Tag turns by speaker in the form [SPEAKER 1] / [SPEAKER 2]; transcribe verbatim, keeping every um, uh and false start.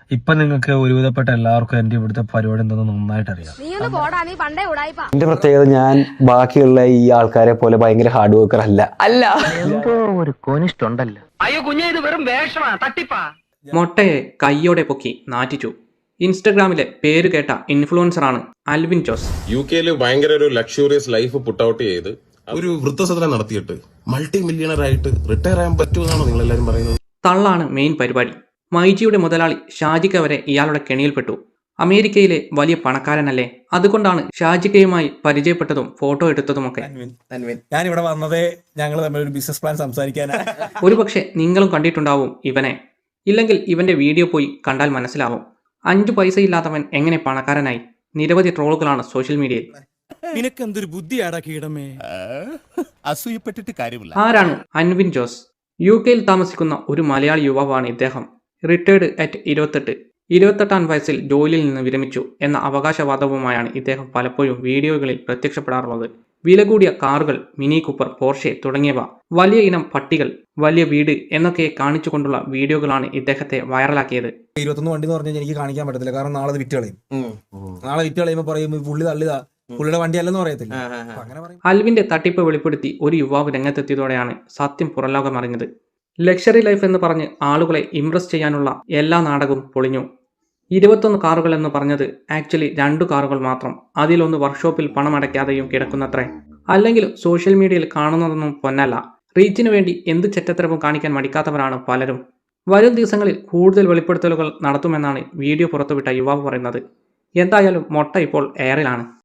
[SPEAKER 1] ഇപ്പൊ നിങ്ങൾക്ക് ഒരുവിധപ്പെട്ട എല്ലാവർക്കും എന്റെ ഇവിടുത്തെ പരിപാടി എന്തെന്ന് നന്നായിട്ട് അറിയാം.
[SPEAKER 2] എന്റെ പ്രത്യേകത ഞാൻ ബാക്കിയുള്ള ഈ ആൾക്കാരെ പോലെ ഭയങ്കര ഹാർഡ് വർക്കർ അല്ല അല്ല
[SPEAKER 3] എന്തോ ഒരു കോനിഷ്ടുണ്ടല്ലോ.
[SPEAKER 4] അയ്യോ കുഞ്ഞെ, ഇത് വെറും വേഷമാ, തട്ടിപ്പാ.
[SPEAKER 5] മൊട്ടയെ കൈയോടെ പൊക്കി നാറ്റിച്ചു. ഇൻസ്റ്റഗ്രാമിലെ പേര് കേട്ട ഇൻഫ്ലുവൻസറാണ് അൽവിൻ ജോസ്.
[SPEAKER 6] യു കെയിൽ ഭയങ്കര ഒരു ലക്ഷൂറിയസ് ലൈഫ് പുട്ട് ഔട്ട് ചെയ്ത് ഒരു വൃദ്ധസദനം നടത്തിയിട്ട് മൾട്ടി മില്യണർ ആയിട്ട് റിട്ടയർ ആകാൻ പറ്റുമെന്നാണോ നിങ്ങൾ എല്ലാവരും പറയുന്നത്?
[SPEAKER 5] തള്ളാണ് മെയിൻ പരിപാടി. മൈജിയുടെ മുതലാളി ഷാജിക്ക വരെ ഇയാളുടെ കെണിയിൽപ്പെട്ടു. അമേരിക്കയിലെ വലിയ പണക്കാരനല്ലേ, അതുകൊണ്ടാണ് ഷാജിക്കയുമായി പരിചയപ്പെട്ടതും ഫോട്ടോ എടുത്തതുമൊക്കെ.
[SPEAKER 7] ഞാൻ ഇവിടെ വന്നതേ ഞങ്ങൾ തമ്മിൽ ഒരു ബിസിനസ് പ്ലാൻ സംസാരിക്കാനാണ്.
[SPEAKER 5] ഒരുപക്ഷെ നിങ്ങളും കണ്ടിട്ടുണ്ടാവും ഇവനെ. ഇല്ലെങ്കിൽ ഇവന്റെ വീഡിയോ പോയി കണ്ടാൽ മനസ്സിലാവും. അഞ്ചു പൈസയില്ലാത്തവൻ എങ്ങനെ പണക്കാരനായി? നിരവധി ട്രോളുകളാണ് സോഷ്യൽ മീഡിയയിൽ.
[SPEAKER 7] നിനക്കെന്തൊരു ബുദ്ധിയാടാ കീടമേ.
[SPEAKER 8] അസൂയപ്പെട്ടിട്ട് കാര്യമില്ല.
[SPEAKER 5] ആരാണ് അൻവിൻ ജോസ്? യു കെയിൽ താമസിക്കുന്ന ഒരു മലയാളി യുവാവാണ് ഇദ്ദേഹം. റിട്ടയർഡ് അറ്റ് ഇരുപത്തെട്ട് ഇരുപത്തെട്ടാം വയസ്സിൽ ജോലിയിൽ നിന്ന് വിരമിച്ചു എന്ന അവകാശവാദവുമായാണ് ഇദ്ദേഹം പലപ്പോഴും വീഡിയോകളിൽ പ്രത്യക്ഷപ്പെടാറുള്ളത്. വില കൂടിയ കാറുകൾ, മിനി കൂപ്പർ, പോർഷെ തുടങ്ങിയവ, വലിയ ഇനം പട്ടികൾ, വലിയ വീട് എന്നൊക്കെ കാണിച്ചുകൊണ്ടുള്ള വീഡിയോകളാണ് ഇദ്ദേഹത്തെ വൈറലാക്കിയത്.
[SPEAKER 7] ഇരുപത്തൊന്ന് വണ്ടി എന്ന് പറഞ്ഞാൽ എനിക്ക് കാണിക്കാൻ പറ്റത്തില്ല, കാരണം നാളെ വിറ്റ് കളയും. നാളെ വിറ്റ് കളയുമ്പോൾ പറയും പുള്ളി തള്ളിതാ, പുള്ളിയുടെ വണ്ടി അല്ലെന്ന് പറയത്തില്ല.
[SPEAKER 5] അൽവിന്റെ തട്ടിപ്പ് വെളിപ്പെടുത്തി ഒരു യുവാവ് രംഗത്തെത്തിയതോടെയാണ് സത്യം പുറംലോകം അറിഞ്ഞത്. ലക്ഷറി ലൈഫ് എന്ന് പറഞ്ഞ് ആളുകളെ ഇംപ്രസ് ചെയ്യാനുള്ള എല്ലാ നാടകവും പൊളിഞ്ഞു. ഇരുപത്തൊന്ന് കാറുകൾ എന്ന് പറഞ്ഞത് ആക്ച്വലി രണ്ടു കാറുകൾ മാത്രം. അതിലൊന്ന് വർക്ക്ഷോപ്പിൽ പണമടയ്ക്കാതെയും കിടക്കുന്നത്രേ. അല്ലെങ്കിൽ സോഷ്യൽ മീഡിയയിൽ കാണുന്നതൊന്നും പൊന്നല്ല. റീച്ചിനു വേണ്ടി എന്ത് ചെറ്റത്തരവും കാണിക്കാൻ മടിക്കാത്തവരാണ് പലരും. വരും ദിവസങ്ങളിൽ കൂടുതൽ വെളിപ്പെടുത്തലുകൾ നടത്തുമെന്നാണ് വീഡിയോ പുറത്തുവിട്ട യുവാവ് പറയുന്നത്. എന്തായാലും മൊട്ട ഇപ്പോൾ എയറിലാണ്.